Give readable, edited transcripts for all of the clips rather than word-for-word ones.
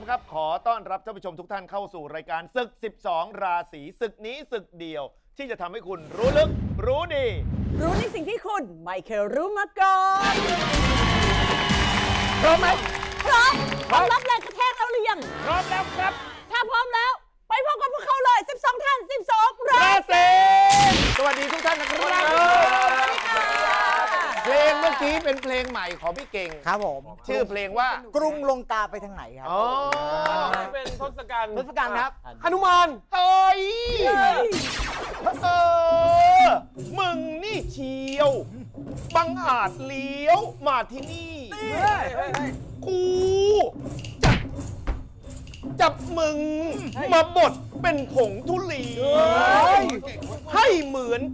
ครับขอต้อนรับท่านผู้ชมทุกท่านเข้าสู่รายการศึก 12 ราศีศึกนี้ศึกเดียวที่จะทำให้คุณรู้ลึกรู้ดีรู้ในสิ่งที่คุณไม่เคยรู้มาก่อนพร้อมไหมพร้อมพร้อมรับแรงกระแทกแล้วหรือยังพร้อมแล้วครับถ้าพร้อมแล้วไปพบกับพวกเขาเลย12ท่าน12ราศีสวัสดีทุกท่านนะครับเพลงเมื่อกี้เป็นเพลงใหม่ของพี่เก่งครับผมชื่อเพลงว่ากรุงลงกาไปทางไหนครับอ๋อเป็นทศกัณฐ์ครับหนุมานเฮ้ยมึงนี่เชียวบังอาจเลี้ยวมาที่นี่กูจับมึงมาบดเป็นผงทุลีให้เหมือน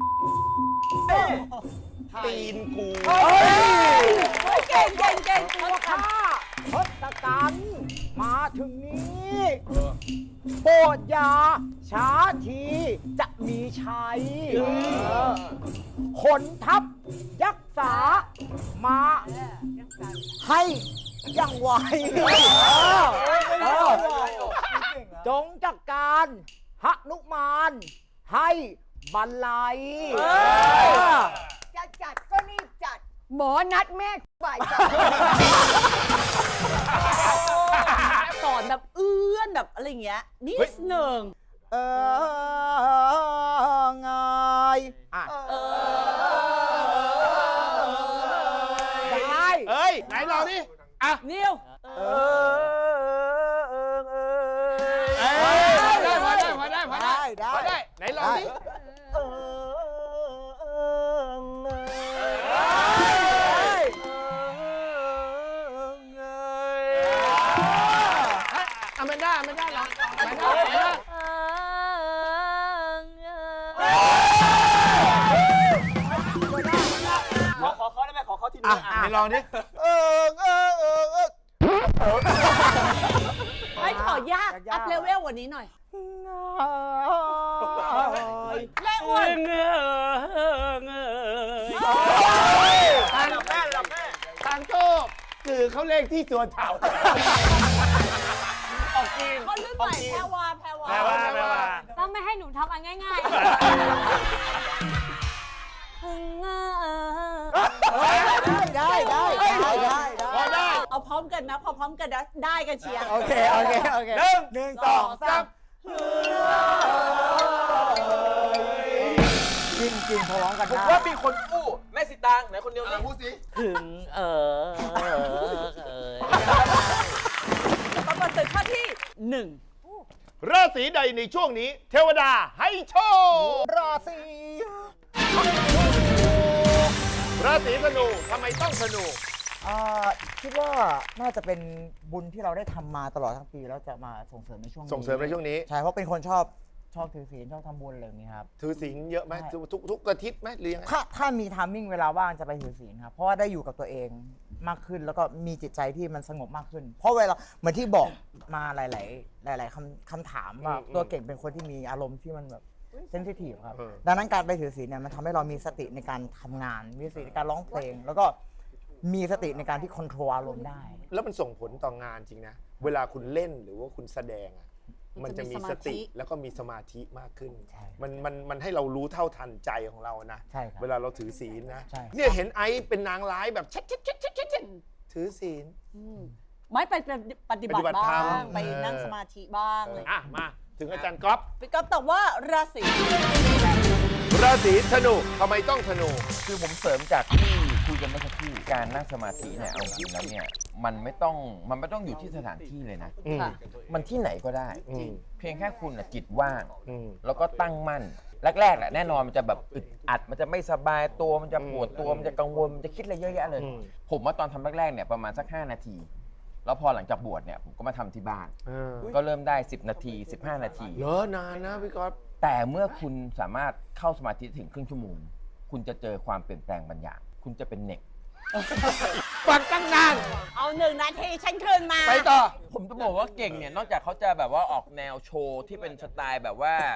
ตีนกูเก่งตัวข้าทศกัณฐ์มาถึงนี้โปรดอย่าช้าทีจะมีชัยขนทัพยักษามาให้อย่างไวจงจัดการหนุมานให้บรรลัยจะจัดก็รีบจัดหมอนัดแม่บ่ายสอนแบบเอื้อนแบบอะไรเงี้ยนิดหนึ่งไงได้เอ้ยไหนลองดิอ่ะนิวได้ไหนลองดิอแมนด้าลองขอได้ไหมขอทีนึงไหนลองดิไม่ขอยากอัพเลเวลกว่านี้หน่อยแม่อ้วนทางโชคคือเขาเลขที่ตัวเต่าออกกินคนรุ่นใหม่แพรวาต้องไม่ให้หนูทำอันง่ายได้พอได้เอาพร้อมกันนะพอพร้อมกันนะได้กันเชียร์โอเค1 2 3จริงพร้อมกันได้ว่ามีคนอู้แม่สิตางไหนคนเดียวพูดสิถึงแล้วก็มาถึงข้อที่1 ราศีใดในช่วงนี้เทวดาให้โชคราศีธนูทำไมต้องธนูคิดว่าน่าจะเป็นบุญที่เราได้ทำมาตลอดทั้งปีแล้วจะมาส่งเสริมในช่วงนี้ใช่เพราะเป็นคนชอบถือศีลชอบทำบุญอะไรอย่างนี้ครับถือศีลเยอะไหมทุกอาทิตย์ไหมหรือยังไงถ้ามีไทมิ่งเวลาว่างจะไปถือศีลครับเพราะว่าได้อยู่กับตัวเองมากขึ้นแล้วก็มีจิตใจที่มันสงบมากขึ้นเพราะเวลาเหมือนที่บอกมาหลายคำถามว่าตัวเก่งเป็นคนที่มีอารมณ์ที่มันแบบเซนซิทีฟครับดังนั้นการไปถือศีลเนี่ยมันทำให้เรามีสติในการทำงานมีสติในการร้องเพลงแล้วก็มีสติในการที่ควบคุมอารมณ์ได้แล้วมันส่งผลต่องานจริงนะเวลาคุณเล่นหรือว่าคุณแสดงมันจะมีสติแล้วก็มีสมาธิมากขึ้นมันให้เรารู้เท่าทันใจของเรานะเวลาเราถือศีลนะเนี่ยเห็นไอซ์เป็นนางร้ายแบบชัดถือศีลไม่ไปปฏิบัติบ้างไปนั่งสมาธิบ้างเลยมาถึงอาจารย์ก๊อฟพี่ก๊อฟตอบว่าราศีธนูทำไมต้องธนูคือผมเสริมจากที่คุยกันเมื่อสักครู่การนั่งสมาธิเนี่ยเอาจริงแล้วเนี่ยมันไม่ต้องอยู่ที่สถานที่เลยนะมันที่ไหนก็ได้เพียงแค่คุณจิตว่างแล้วก็ตั้งมั่นแรกๆแหละแน่นอนมันจะแบบอึดอัดมันจะไม่สบายตัวมันจะปวดตัวมันจะกังวลมันจะคิดอะไรเยอะแยะเลยผมว่าตอนทำแรกๆเนี่ยประมาณสัก5 นาทีแล้วพอหลังจากบวชเนี่ยผมก็มาทำที่บ้านก็เริ่มได้10 นาที15 นาทีเยอะนานนะพี่ก๊อฟแต่เมื่อคุณสามารถเข้าสมาธิถึงครึ่งชั่วโมงคุณจะเจอความเปลี่ยนแปลงบางอย่างคุณจะเป็นเน็กฟังตั้งนานเอา1 นาทีฉันคืนมาไปต่อผมจะบอกว่าเก่งเนี่ยนอกจากเขาจะแบบว่าออกแนวโชว์ที่เป็นสไตล์แบบว่า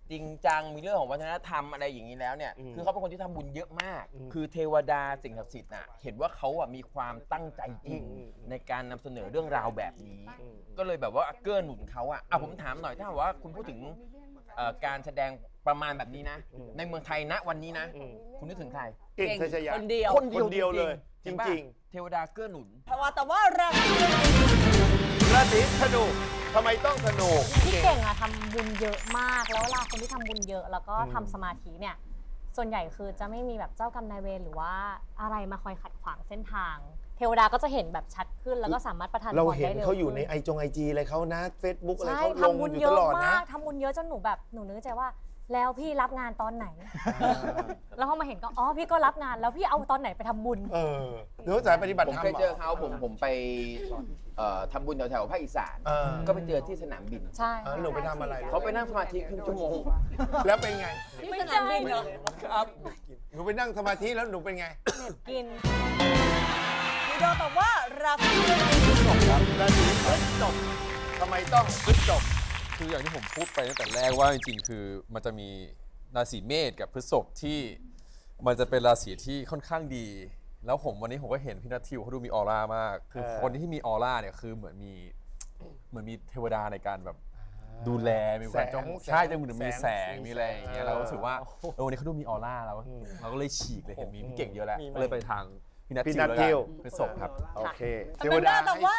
จริงจังมีเรื่องของวัฒนธรรมอะไรอย่างนี้แล้วเนี่ยคือเขาเป็นคนที่ทำบุญเยอะมาก คือเทวดาสิ่งศักดิ์สิทธิ์น่ะเห็นว่าเขาอ่ะมีความตั้งใจจริงในการนำเสนอเรื่องราวแบบนี้ ก็เลยแบบว่าเกื้อหนุนเขาอ่ะผมถามหน่อยถ้าว่าคุณพูดถึงการแสดงประมาณแบบนี้นะ ในเมืองไทยณวันนี้นะ คุณนึกถึงใครเก่งทัชยะคนเดียวคนเดียวเลยจเห็นปะริงเทวดาเกื้อหนุนแต่ว่าราศีๆราศีธนูทำไมต้องธนูพี่เก่งอะทำบุญเยอะมาก แล้วเวลาคนที่ทำบุญเยอะ แล้วก็ทำสมาธิเนี่ย ส่วนใหญ่คือจะไม่มีแบบเจ้ากรรมนายเวรหรือว่าอะไรมาคอยขัดขวางเส้นทาง เทวดาก็จะเห็นแบบชัดขึ้นแล้วก็สามารถประทานพรเราได้เห็นเร็วเขาอยู่ในขึ้ไอจีอะไรเขานะ Facebook อะไรใช่เขาลงทำบุญอยู่เยตอะลอดมานะกทำบุญเยอะจนหนูแบบหนูนึกใจว่า แล้วพี่รับงานตอนไหน แล้วพอมาเห็นก็อ๋อพี่ก็รับงานแล้วพี่เอาตอนไหนไปทำบุญหรือสายปฏิบัติผมธรรมเคยเจอเขาผมไปทำบุญแถวๆภาคอีสาน ก็ไปเจอที่สนามบินใช่หนูไปทำอะไรเขาไปนั่งสมาธิครึ่งชั่วโมงแล้วเป็นไงที่สนามบินเหรอครับหนูไปนั่งสมาธิแล้วหนูเป็นไงเน็ตกินพี่โดตอบว่าราศีราศีพฤษภทำไมต้องพฤษภคืออย่างที่ผมพูดไปตั้งแต่แรกว่าจริงๆคือมันจะมีราศีเมษกับพฤษภที่มันจะเป็นราศีที่ค่อนข้างดี แล้ววันนี้ผมก็เห็นพี่นัททิวเขาดูมีออร่ามาก คือคนที่มีออร่าเนี่ยคือเหมือนมีเทวดาในการแบบดูแลมีความจ้องใช่จะเหมือนมีแสงมีอะไรอย่างเงี้ยเราก็รู้สึกว่าวันนี้เขาดูมีออร่าเราก็เลยฉีกเลยเห็นมีพี่เก่งเยอะแล้วก็เลยไปทางพี่นัทพี่ทิวนัทแล้วทิกัวนพฤษภครับโอเคเทวดาตอบว่า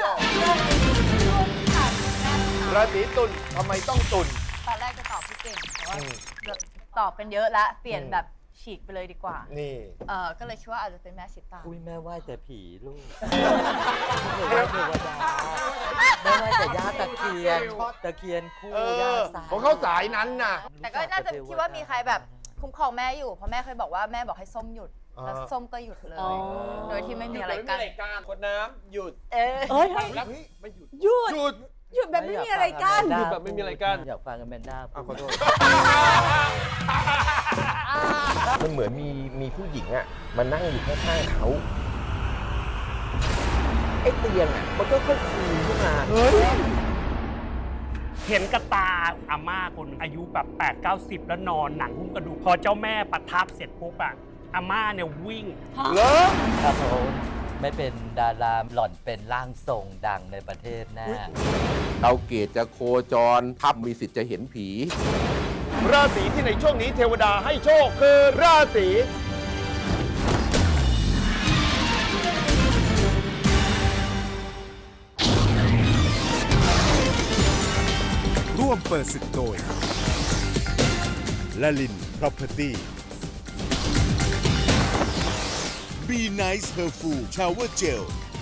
ราศีตุลทำไมต้องตุลตอนแรกจะตอบพี่เก่งแต่ว่าตอบเป็นเยอะแล้วเปลี่ยนแบบฉีกไปเลยดีกว่านี่ก็เลยคิดว่าอาจจะเป็นแม่สิตางอุ้ยแม่ไหว้แต่ผีลูกเทวแม่ไหว้แต่ย่าตะเคียนคู่ย่าสายของเขาสายนั้นน่ะแต่ก็น่าจะคิดว่ามีใครแบบคุ้มครองแม่อยู่เพราะแม่เคยบอกว่าแม่บอกให้ส้มหยุดแล้วส้มก็หยุดเลย โดยที่ไม่มีอะไรกันคนน้ำหยุดเอ้ยแล้วไม่หยุดหยุดหยุดหยุดแบบไม่มีอะไรกันหยุดแบบไม่มีอะไรกันอยากฟังกันแมนด้าขอโทษมันเหมือนมีผู้หญิงอ่ะมานั่งอยู่ข้างๆเขาไอ้เตียงอ่ะมันก็ค่อยฟูขึ้นมาเห็นกับตาอาม่าคนอายุแบบ8-90 แล้วนอนหนังหุ้มกระดูกพอเจ้าแม่ประทับเสร็จปุ๊บอะอาม่าเนี่ยวิ่งเหรอถ้าเขาไม่เป็นดาราหล่อนเป็นร่างทรงดังในประเทศแน่ดาวเกตจะโคจรทับมีสิทธิ์จะเห็นผีราศีที่ในช่วงนี้เทวดาให้โชคคือราศีร่วมเปิดศึกโดยลลิน Property Be Nice Her Full Shower Gel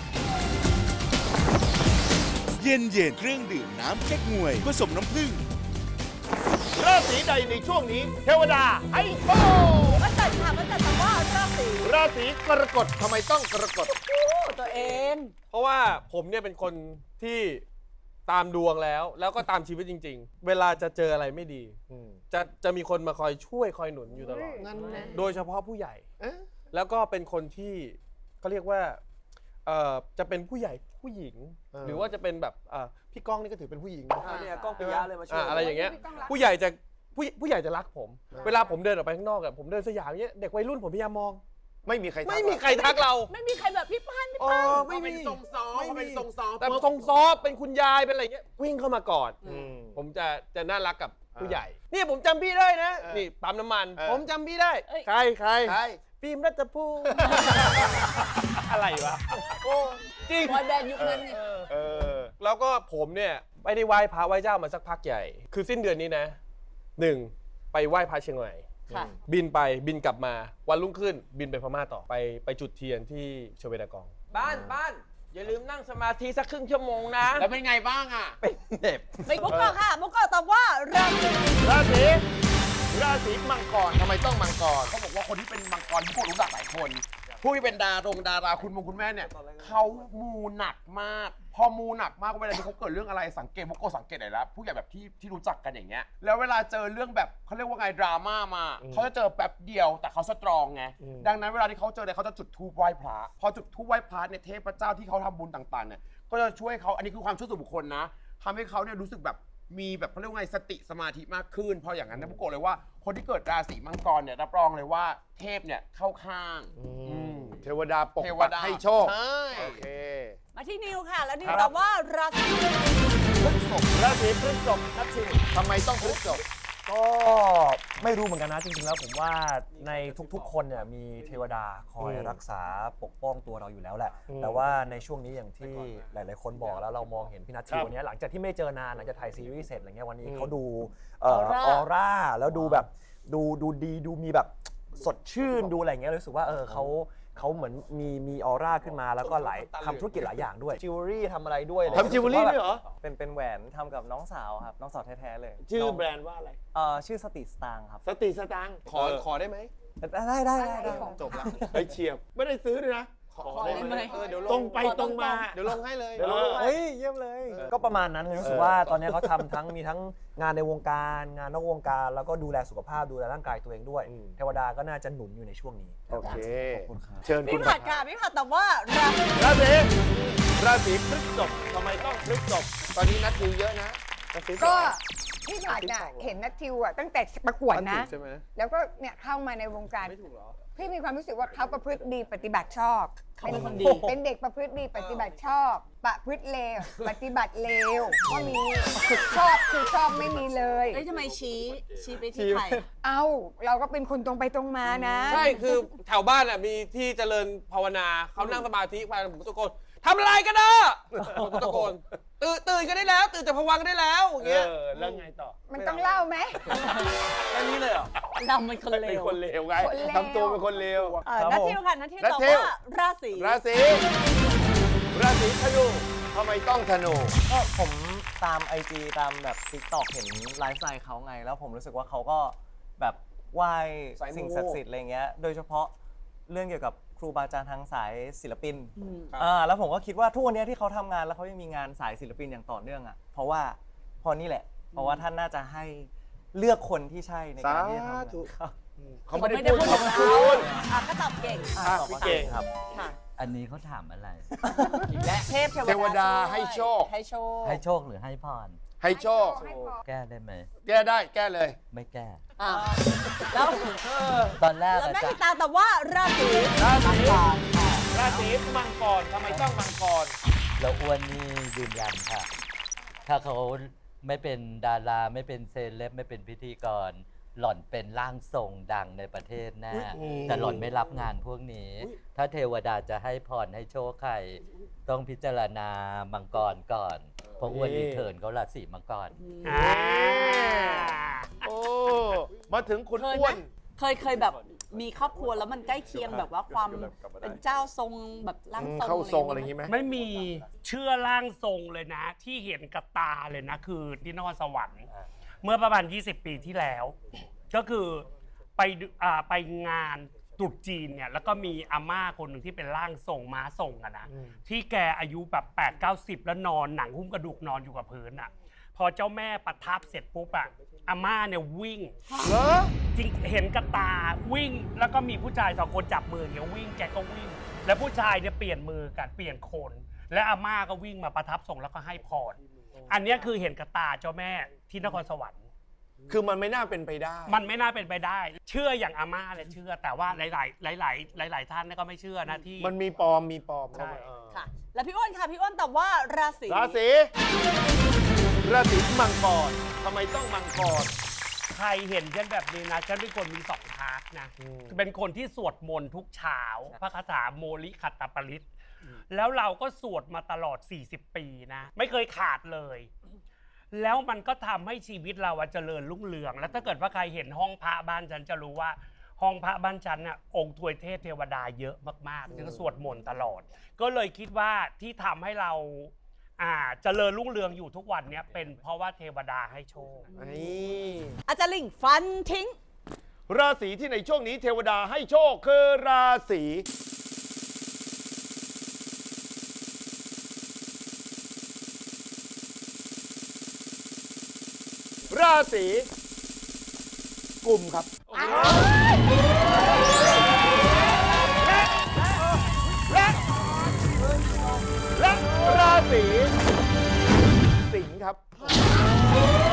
เย็นเครื่องดื่มน้ำแก๊กงวยผสมน้ำผึ้งราศีใดในช่วงนี้ เทวดาให้โชคมันจัดค่ะมันจัดตอบว่าราศีราศีกรกฎทำไมต้องกรกฎตัวเองเพราะว่าผมเนี่ยเป็นคนที่ตามดวงแล้วก็ตามชีวิตจริง ๆ เวลาจะเจออะไรไม่ดี จะมีคนมาคอยช่วยคอยหนุนอยู่ตลอด โดยเฉพาะผู้ใหญ่ แล้วก็เป็นคนที่เขาเรียกว่าจะเป็นผู้ใหญ่ผู้หญิง หรือว่าจะเป็นแบบพี่ก้องนี่ก็ถือเป็นผู้หญิง เนี่ยก้องปิยะเลยมาช่วยอะไรอย่างเงี้ยผู้ใหญ่จะรักผม เวลาผมเดินออกไปข้างนอกอะผมเดินสยามเงี้ยเด็กวัยรุ่นผมพยายามมองไม่มีใครทักไม่มีใครทักเราไม่มีใครแบบพี่ป้านไม่มีทรงซอเป็นทรงซอแต่ทรงซอเป็นคุณยายเป็นอะไรเงี้ยวิ่งเข้ามากอดผมจะน่ารักกับผู้ใหญ่นี่ผมจำพี่ได้นะนี่ปั๊มน้ำมัน ผมจำพี่ได้ใครฟิล์มรัตภูมิอะไรวะจริงบอยแบนด์ยุคนั้นไงแล้วก็ผมเนี่ยไม่ได้ไหว้พระไหว้เจ้ามาสักพักใหญ่ คือสิ้นเดือนนี้นะ1ไปไหว้พระเชียงใหม่ค่ะบินกลับมาวันรุ่งขึ้นบินไปพม่าต่อไปจุดเทียนที่ชเวดากองบ้านอย่าลืมนั่งสมาธิสักครึ่งชั่วโมงนะแล้วเป็นไงบ้างอ่ะเป็นเด็บไม่มุกก่อนค่ะมุกก่อนตอบว่าราศีราศีมังกรทำไมต้องมังกรเขาบอกว่าคนที่เป็นมังกรที่พวกรู้จักหลายคน ผู้ที่เป็นดาราคุณแม่เนี่ยเขามูหนักมาก พอมูหนักมากเวลาที่เขาเกิดเรื่องอะไรสังเกตพวกโกสังเกตไหนแล้วผู้ใหญ่แบบที่รู้จักกันอย่างเงี้ยแล้วเวลาเจอเรื่องแบบเขาเรียกว่าไงดราม่ามาเขาจะเจอแป๊บเดียวแต่เขาสตรองไงดังนั้นเวลาที่เขาเจอเนี่ยเขาจะจุดธูปไหว้พระพอจุดธูปไหว้พระเนี่ยเทพเจ้าที่เขาทำบุญต่างๆเนี่ยก็จะช่วยเขาอันนี้คือความเชื่อส่วนบุคคลนะทำให้เขาเนี่ยรู้สึกแบบมีแบบเขาเรียกว่าไงสติสมาธิมากขึ้นเพราะอย่างนั้นนะบุโกะเลยว่าคนที่เกิดราศีมังกรเนี่ยรับรองเลยว่าเทพเนี่ยเข้าข้างเทวดาปกเทวปักดาให้โชคใช่โอเคมาที่นิวค่ะ แล้วนิวตอบว่าราศีราศีพฤษภนัทชิวทำไมต้องพฤษภก็ไม่รู้เหมือนกันนะจริงๆแล้วผมว่าในทุกๆคนเนี่ยมีเทวดาคอยรักษาปกป้องตัวเราอยู่แล้วแหละ แต่ว่าในช่วงนี้อย่างที่หลายๆคนบอกแล้วเรามองเห็นพี่นัททิววันนี้หลังจากที่ไม่เจอนานหลังจากถ่ายซีรีส์เสร็จอะไรเงี้ยวันนี้เขาดูออร่าแล้วดูแบบดูดีดูมีแบบสดชื่นดูอะไรเงี้ยรู้สึกว่าเขาเหมือนมีออร่าขึ้นมาแล้วก็หลายทำธุรกิจหลายอย่างด้วยจิวเวลรี่ทำอะไรด้วยทำจิวเวลรี่ด้วยเหรอเป็นแหวนทำกับน้องสาวครับน้องสาวแท้ๆเลยชื่อแบรนด์ว่าอะไรชื่อสติสตางค์ครับสติสตังค์ขอได้ไหมได้จบแล้วเฮ้ยเฉียบไม่ได้ซื้อด้วยนะขอได้ไหมเดี๋ยวลงตรงไปตรงมาเดี๋ยวลงให้เลยเฮ้ยเยี่ยมเลย ก็ประมาณนั้นเลยรู้สึกว่าตอนนี้เขาทำมีทั้งงานในวงการงานนอกวงการแล้วก็ดูแลสุขภาพดูแลร่างกายตัวเองด้วย เทวดาก็น่าจะหนุนอยู่ในช่วงนี้โอเคขอบคุณครับเชิญคุพี่ณผัดค่ะพี่ผัดตอบว่าราศีราศีพฤษภทำไมต้องพฤษภตอนนี้นัดทิวเยอะนะราศีก็พี่ผัดน่ะเห็นนัททิวอ่ะตั้งแต่ประกวดนะใช่ไหมแล้วก็เนี่ยเข้ามาในวงการพี่มีความรู้สึกว่าเขาประพฤติดีปฏิบัติชอบเขาเป็นคนดีเป็นเด็กประพฤติดีปฏิบัติชอบ ประพฤติเลวปฏิบัติเลวก็มีชอบคือชอบไม่มีเลยเอ้ยทำไมชี้ไปที่ใครเอ้าเราก็เป็นคนตรงไปตรงมานะใช่คือแถวบ้านมีที่เจริญภาวนาเขานั่งสมาธิไปผมตะโกนทำอะไรกันนะผมตะโกนตื่นกันได้แล้ว ตื่นจากภวังค์กันได้แล้วอย่างเงี้ยแล้วไงต่อมันต้องเล่าไหมแค่นี้เลยเหรอดำเป็นคนเลเป็นวคนเลวไงคนเลวทำตัวเป็นคนเลวนัททิวค่ะนัททิวนัทตอบทิวว่าราศีราศีธนูทำไมต้องธนูก็ผมตาม IG ตามแบบ TikTok เห็นไลฟ์สไตล์เขาไง แล้วผมรู้สึกว่าเขาก็แบบไหว้สิ่งศักดิ์สิทธิ์อะไรเงี้ยโดยเฉพาะเรื่องเกี่ยวกับครูบาอาจารย์ทางสายศิลปินแล้วผมก็คิดว่าทุกวันนี้ที่เขาทำงานแล้วเขายังมีงานสายศิลปินอย่างต่อเนื่องอ่ะเพราะนี่แหละ เพราะว่าท่านน่าจะให้เลือกคนที่ใช่ในการที่จะทำงานครับเขาไม่ได้พูดของเราคุณก็ตอบเก่งตอบว่าเก่งครับค่ะอันนี้เขาถามอะไรอีกแล้วเทพเทวดาให้โชคให้โชคให้โชคหรือให้พรให้โชคแก้ได้ไหมแก้ได้แก้เลยไม่แก้แล้วตอนแรกแล้วอาแม่จารติย์ตาตอบว่าราศีราศีมังกรทำไมต้องมังกรแล้วอ้วนนี่ยืนยันค่ะ ถ้าเขาไม่เป็นดาราไม่เป็นเซเลบไม่เป็นพิธีกร หล่อนเป็นร่างทรงดังในประเทศแน่แต่หล่อนไม่รับงานพวกนี้ ถ้าเทวดาจะให้พรให้โชคใครต้องพิจารณามังกรก่อน เพราะอ้วนนี่เถินเขาราศีมังกรโอ้มาถึงคุณเคยอ้ไหมวนเคยแบบมีครอบครัวแล้วมันใกล้เคียงแบบว่าความเป็นเจ้าทรงแบบร่างทรงเข้าทรงอะไรอย่างงี้ไหมไม่มีเชื่อร่างทรงเลยนะ ที่เห็นกับตาเลยนะ คือที่นครสวรรค์เมื่อประมาณ 20 ปีที่แล้ว ก็คือไปงานตรุษจีนเนี่ยแล้วก็มีอาม่าคนหนึ่งที่เป็นร่างทรงม้าทรงอะนะที่แกอายุแบบ8-90 แล้วนอนหนังหุ้มกระดูกนอนอยู่กับพื้นอะพอเจ้าแม่ประทับเสร็จปุ๊บอะอาม่าเนี่ยวิ่งจริงเห็นกับตาวิ่งแล้วก็มีผู้ชาย2 คนจับมืออย่างเงี้ยวิ่งแกก็วิ่ง แล้วผู้ชายเนี่ยเปลี่ยนมือกันเปลี่ยนคน และอาม่าก็วิ่งมาประทับทรงแล้วก็ให้พรอันเนี้ยคือเห็นกับตาเจ้าแม่ที่นครสวรรค์คือมันไม่น่าเป็นไปได้มันไม่น่าเป็นไปได้ เชื่ออย่างอาม่าเลยเชื่อ แต่ว่าหลายท่านเนี่ยก็ไม่เชื่อนะที่มันมีปลอมใช่ค่ะ แล้วพี่อ้วนค่ะพี่อ้วนตอบว่าราศีราศีมังกรทำไมต้องมังกรใครเห็นฉันแบบนี้นะฉันเป็นคนมี2 พาร์ทนะเป็นคนที่สวดมนต์ทุกเช้าพระคาถาโมลิขัตตปริตแล้วเราก็สวดมาตลอด40 ปีนะไม่เคยขาดเลยแล้วมันก็ทำให้ชีวิตเราเจริญรุ่งเรืองแล้วถ้าเกิดว่าใครเห็นห้องพระบ้านฉันจะรู้ว่าห้องพระบ้านฉันน่ะองค์ทวยเทพเทวดาเยอะมากๆฉันก็สวดมนต์ตลอดก็เลยคิดว่าที่ทำให้เราเจริญรุ่งเรืองอยู่ทุกวันเนี้ยเป็นเพราะว่าเทวดาให้โชคอาจารย์ลิงฟันทิ้งราศีที่ในช่วงนี้เทวดาให้โชคคือราศีกุมครับและราศีสิงห์ครับ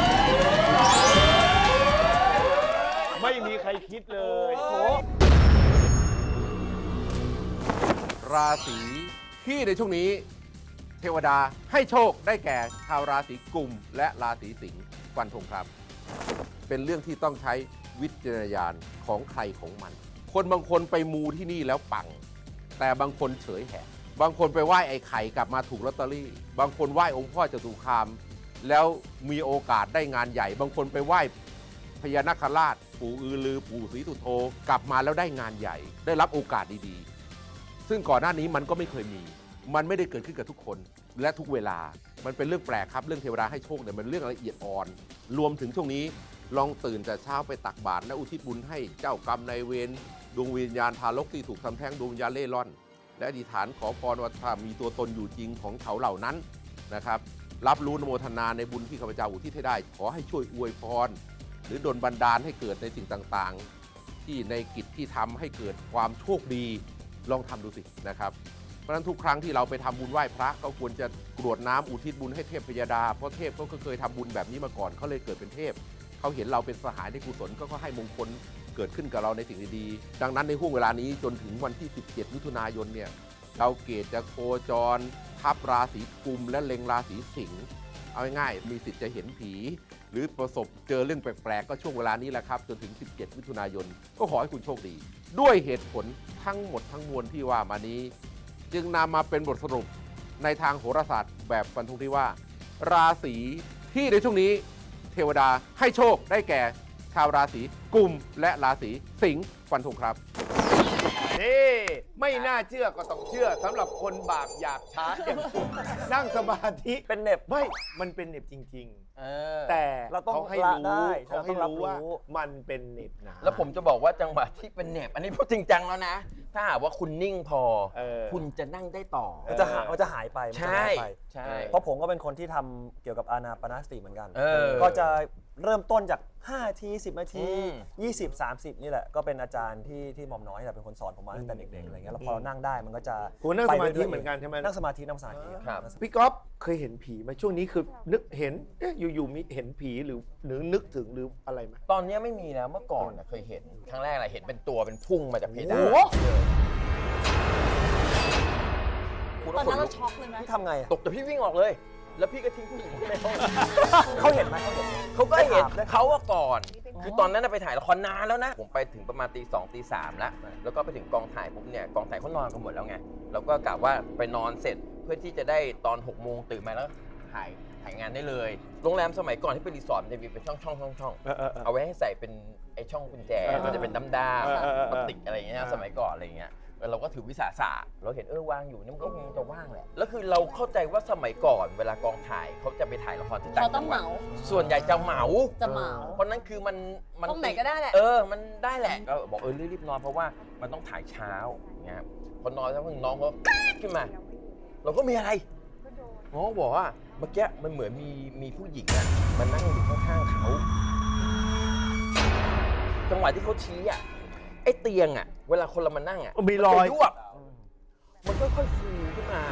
ราศีที่ในช่วงนี้เทวดาให้โชคได้แก่ชาวราศีกุมและราศีสิงห์ฟันธงครับ เป็นเรื่องที่ต้องใช้วิจารณญาณของใครของมัน คนบางคนไปมูที่นี่แล้วปัง แต่บางคนเฉยแหกบางคนไปไหว้ไอ้ไข่กลับมาถูกลอตเตอรี่ บางคนไหว้องค์พ่อจตุคามแล้วมีโอกาสได้งานใหญ่ บางคนไปไหว้พญานาคราชปู่อือลือปู่ศรีสุโธกลับมาแล้วได้งานใหญ่ ได้รับโอกาสดีๆซึ่งก่อนหน้านี้มันก็ไม่เคยมี มันไม่ได้เกิดขึ้นกับทุกคนและทุกเวลามันเป็นเรื่องแปลกครับเรื่องเทวดาให้โชคเนี่ยมันเรื่องละเอียดอ่อนรวมถึงช่วงนี้ลองตื่นแต่เช้าไปตักบาตรและอุทิศบุญให้เจ้ากรรมนายเวรดวงวิญญาณทารกที่ถูกทำแท้งดวงวิญญาณเล่ร่อนและอธิษฐานขอพรว่าถ้ามีตัวตนอยู่จริงของเขาเหล่านั้นนะครับรับรู้นโมทนาในบุญที่ข้าพเจ้าอุทิศให้ได้ขอให้ช่วยอวยพรหรือดลบันดาลให้เกิดในสิ่งต่างๆที่ในกิจที่ทำให้เกิดความโชคดีลองทำดูสินะครับเพราะฉะนั้นทุกครั้งที่เราไปทำบุญไหว้พระก็ควรจะกรวดน้ำอุทิศบุญให้เทพพยดาเพราะเทพเขาก็เคยทำบุญแบบนี้มาก่อนเขาเลยเกิดเป็นเทพเขาเห็นเราเป็นสหายในกุศลก็ให้มงคลเกิดขึ้นกับเราในสิ่งดีๆดังนั้นในห่วงเวลานี้จนถึงวันที่17มิถุนายนเนี่ยดาวเกตจะโคจรทับราศีกุมและเล็งราศีสิงห์เอาง่ายๆมีสิทธิ์จะเห็นผีหรือประสบเจอเรื่องแปลกๆก็ช่วงเวลานี้แหละครับจนถึง17มิถุนายนก็ขอให้คุณโชคดีด้วยเหตุผลทั้งหมดทั้งมวลที่ว่ามานี้จึงนำมาเป็นบทสรุปในทางโหราศาสตร์แบบฟันธงที่ว่าราศีที่ในช่วงนี้เทวดาให้โชคได้แก่ชาวราศีกุมและราศีสิงห์ฟันธงครับนี่ไม่น่าเชื่อก็ต้องเชื่อสำหรับคนบาปหยาบช้านั่งสมาธิเป็นเน็บไม่มันเป็นเน็บจริงๆแต่เราต้องเขาให้ละรู้ได้เขาให้เราต้องรับรู้ว่ารู้มันเป็นเน็บนะแล้วผมจะบอกว่าจังหวะที่เป็นเหน็บอันนี้พูดจริงจังแล้วนะ ถ้าหากว่าคุณนิ่งพอ คุณจะนั่งได้ต่อมันจะหายไปมันจะหายไปใช่เพราะผมก็เป็นคนที่ทำเกี่ยวกับอานาปานสติเหมือนกันเออก็จะเริ่มต้นจาก5นาที10นาทีอืม 20 30นี่แหละก็เป็นอาจารย์ที่หม่อมน้อยเป็นคนสอนผมมาตั้งแต่เด็กๆอะไรเงี้ยแล้วพอเรานั่งได้มันก็จะคุณนั่งสมาธิไปรื่ยๆเหมือนกันใช่ไหมนั่งสมาธิครับพี่ก๊อฟเคยเห็นผีไหมช่วงนี้คือนึกเห็นอยู่ๆมีเห็นผีหรือนึกถึงหรืออะไรไหมตอนนี้ไม่มีแล้วเมื่อก่อนน่ะเคยเห็นครั้งแรกอะไรเห็นเป็นตัวเป็นพุ่งมาจากเพดานโอ้โหคุณตอนนั้นเราช็อกเลยไหมพี่ทำไงอะตกแต่พี่วิ่งออกเลย แล้วพี่ก็ทิ้งผู้หญิงไว้ในห้องเขาเห็นไหมเขาเห็นไหมเขาก็เห็นได้ถามเขาว่าก่อน คือตอนนั้นนะไปถ่ายละครนานแล้วนะ ผมไปถึงประมาณตี2ตี3แล้ว แล้วก็ไปถึงกองถ่ายปุ๊บเนี่ยกองถ่ายเขานอนกันหมดแล้วไงแล้วก็กะว่าไปนอนเสร็จเพื่อที่จะได้ตอน6 โมงตื่นมาแล้วถ่ายงานได้เลย โรงแรมสมัยก่อนที่เป็นรีสอร์ทมันจะมีเป็นช่องเอาไว้ให้ใส่เป็นไอ้ช่องกุญแจมันจะเป็นด้ามๆพลาสติกอะไรอย่างเงี้ยสมัยก่อนอะไรอย่างเงี้ยเราก็ถือวิสาสะเราเห็นวางอยู่นี่มันก็คงจะว่างแหละแล้วคือเราเข้าใจว่าสมัยก่อนเวลากองถ่ายเขาจะไปถ่ายละครที่ต่างเขาต้จัองงหเหวัดมาส่วนใหญ่จะเหมา เพราะนั้นคือมันตรงไหนก็ได้แหละมันได้แหละก็บอกรีบนอนเพราะว่ามันต้องถ่ายเช้าอย่างเงี้ยพอนอนแล้วน้องเขาขึ้นมา เราก็มีอะไรน้องบอกว่าเมื่อกี้มันเหมือนมีผู้หญิงอ่ะมันนั่งอยู่ข้างๆเขาจังหวะที่เขาชี้อ่ะไอ้เตียงอ่ะเวลาคนเรามานั่งอ่ะมีรอยมันจะยวบมันค่อยๆฟูขึ้นมา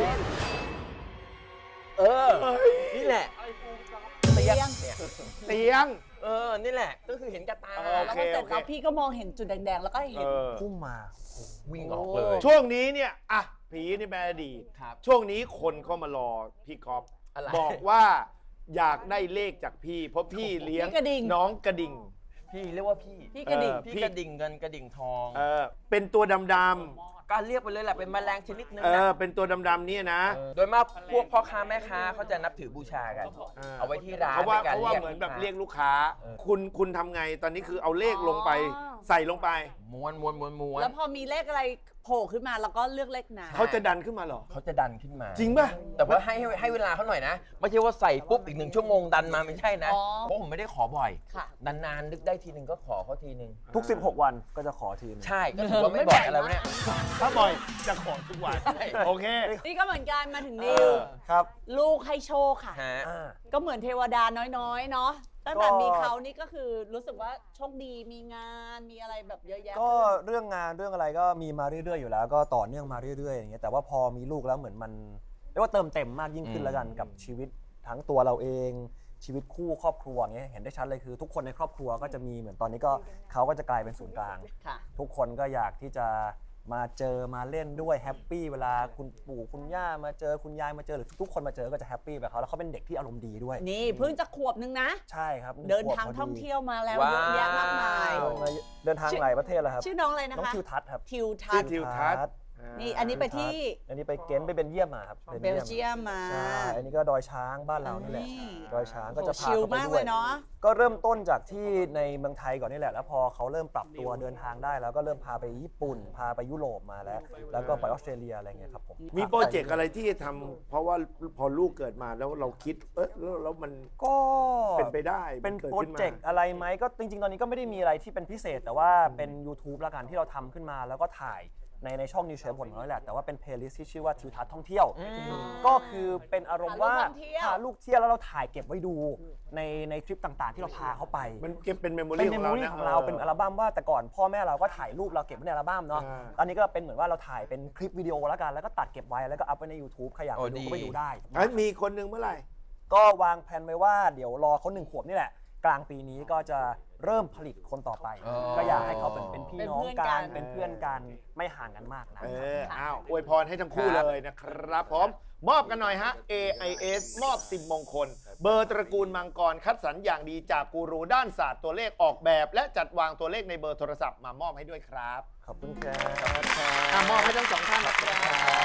นี่แหละเตียงเนี่ยเตียงนี่แหละก็คือเห็นกระตาแล้วพอเสร็จแล้วพี่ก็มองเห็นจุดแดงๆ แล้วก็เห็นพุ่งมาวิ่งออกเลยช่วงนี้เนี่ยอ่ะผีนี่เป็นอดีตครับช่วงนี้คนเข้ามารอพี่ก๊อฟอะไรบอกว่าอยากได้เลขจากพี่ เพราะพี่เลี้ยงพี่กระดิ่งน้องกระดิ่งพี่เรียกว่าพี่พี่กระดิ่งพี่กระดิ่งเงินกระดิ่งทองเป็นตัวดำก็เรียกไปเลยแหละเป็นแมลงชนิดนึงๆนะเป็นตัวดำๆเนี่ยนะโดยมากพวกพ่อค้าแม่ค้าเขาจะนับถือบูชากัน เอาไว้ที่ร้านเพราะว่าในการเหมือนแบบเรียกลูกค้า คุณทำไงตอนนี้คือเอาเลขลงไป ใส่ลงไปม้วนแล้วพอมีเลขอะไรโผล่ขึ้นมาแล้วก็เลือกเลขนั้นเขาจะดันขึ้นมาเหรอเขาจะดันขึ้นมาจริงป่ะแต่ว่าให้เวลาเขาหน่อยนะ ไม่ใช่ว่าใส่ปุ๊บอีก1 ชั่วโมงดันมาไม่ใช่นะอ๋อเพราะผมไม่ได้ขอบ่อยค่ะนานๆนึกได้ทีนึงก็ขอเขาทีนึงทุก 16 วันก็จะขอทีนึงใช่ก็ถือว่าไม่บ่อยอะไรวะเนี่ยถ้าบ่อยจะขอทุกวัน โอเคนี่ก็เหมือนกันมาถึงนิวครับลูกให้โชคค่ะฮะก็เหมือนเทวดาน้อยๆ เนาะตั้งแต่มีเขานี่ก็คือรู้สึกว่าโชคดีมีงานมีอะไรแบบเยอะแยะก็เรื่องงานเรื่องอะไรก็มีมาเรื่อยๆอยู่แล้วก็ต่อเนื่องมาเรื่อยๆอย่างเงี้ยแต่ว่าพอมีลูกแล้วเหมือนมันเรียกว่าเติมเต็มมากยิ่งขึ้นแล้วกันกับชีวิตทั้งตัวเราเองชีวิตคู่ครอบครัวอย่างเงี้ยเห็นได้ชัดเลยคือทุกคนในครอบครัวก็จะมีเหมือนตอนนี้ก็เขาก็จะกลายเป็นศูนย์กลางค่ะทุกคนก็อยากที่จะมาเจอมาเล่นด้วยแฮปปี้เวลาคุณปู่คุณย่ามาเจอคุณยายมาเจอหรือทุกคนมาเจอก็จะแฮปปี้แบบเขาแล้วเขาเป็นเด็กที่อารมณ์ดีด้วยนี่เพิ่งจะขวบนึงนะใช่ครับเดินทางท่องเที่ยวมาแล้วเยอะแยะมากมายเดินทางหลายประเทศแล้วครับชื่อน้องอะไรนะคะน้องทิวทัศน์ครับทิวทัศน์ทิวทัศน์นี่อันนี้ไปที่อันนี้ไปเก็นไปเบลเยียมมาครับเบลเยียมมาใช่อันนี้ก็ดอยช้างบ้านเรานี่แหละดอยช้างก็จะพาชิลเขาไปมากด้เลวยยเนาะก็เริ่มต้นจากที่ในเมืองไทยก่อนนี่แหละแล้วพอเขาเริ่มปรับตัวเดินทางได้แล้วก็เริ่มพาไปญี่ปุ่นพาไปยุโรปมาแล้วก็ไปออสเตรเลียอะไรเงี้ยครับผมมีโปรเจกต์อะไรที่จะทำเพราะว่าพอลูกเกิดมาแล้วเราคิดแล้วมันก็เป็นไปได้เป็นมักิดโปรขึ้นมาเจกต์อะไรไหมก็จริงๆ ตอนนี้ก็ไม่ได้มีอะไรที่เป็นพิเศษ แต่ว่าเป็น YouTube ละกันที่เราทำขึ้นมาแล้วก็ถ่ายในช่องนิวเชฟผลของเราแหละแต่ว่าเป็นเพลย์ลิสต์ที่ชื่อว่าทิวทัศน์ท่องเที่ยว ก็คือเป็นอารมณ์ว่าพาลูกเที่ยวแล้วเราถ่ายเก็บไว้ดูในทริปต่างๆ ที่เราพาเขาไปมันเก็บเป็นเมมโมเป็รี่นขเมองมโมเรารี่นะของเราเป็นอัลบั้มว่าแต่ก่อนพ่อแม่เราก็ถ่ายรูปเราเก็บไว้ในอัลบั้มเนาะตอนนี้ก็เป็นเหมือนว่าเราถ่ายเป็นคลิปวิดีโอแล้วกันแล้วก็ตัดเก็บไว้แล้วก็อัพไว้ใน YouTube ใครอยากไปดูก็ไปดูได้มีคนหนึ่งเมื่อไหร่ก็วางแผนไว้ว่าเดี๋ยวรอเขา1 ขวบนี่แหละ กลางปีนี้ก็จะเริ่มผลิตคนต่อไป ก็อยากให้เขาเป็นพี่น้องกันเป็นเพื่อนกันไม่ห่างกันมากนะอ้าวอวยพรให้ทั้งคู่เลยนะครับผมมอบกันหน่อยฮะ AIS มอบ10มงคล เบอร์ตระกูลมังกรคัดสรรอย่างดีจากกูรูด้านศาสตร์ตัวเลขออกแบบ และจัดวางตัวเลขในเบอร์โทรศัพท์มามอบให้ด้วยครับขอบคุณครับมอบให้ทั้งสองท่านนะครับ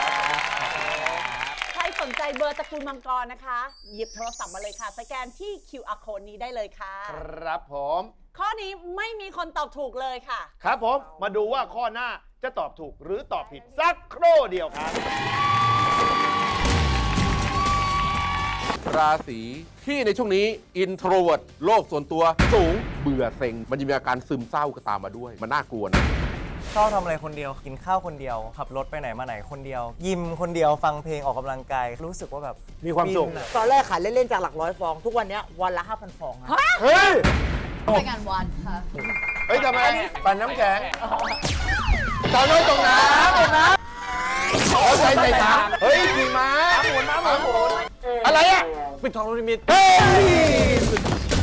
ใครสนใจเบอร์ตระกูลมังกรนะคะ หยิบโทรศัพท์มาเลยค่ะ สแกนที่ QR code นี้ได้เลยค่ะครับผมข้อนี้ไม่มีคนตอบถูกเลยค่ะครับผมมาดูว่าข้อหน้าจะตอบถูกหรือตอบผิดสักครู่เดียวครับราศีที่ในช่วงนี้อินโทรเวิร์ตโลกส่วนตัวสูงเบื่อเซ็งมันจะมีอาการซึมเศร้าก็ตามมาด้วยมันน่ากลัวนะชอบทำอะไรคนเดียวกินข้าวคนเดียวขับรถไปไหนมาไหนคนเดียว ยิมคนเดียวฟังเพลงออกกำลังกายรู้สึกว่าแบบมีความสุขตอนแรกขายเล่นๆจากหลักร้อยฟอง ทุกวันเนี้ยวันละ 5,000 ฟองอะเฮ้ยไปงานวันค่ะเฮ้ยทำไมปั่นน้ำแข็งตอนน้อยตรงน้ำตรงน้ำเอาใจใส่น้ำเฮ้ยขี่ม้าหมุนอะไรอ่ะปิดทองลูกนิมิตเฮ้ย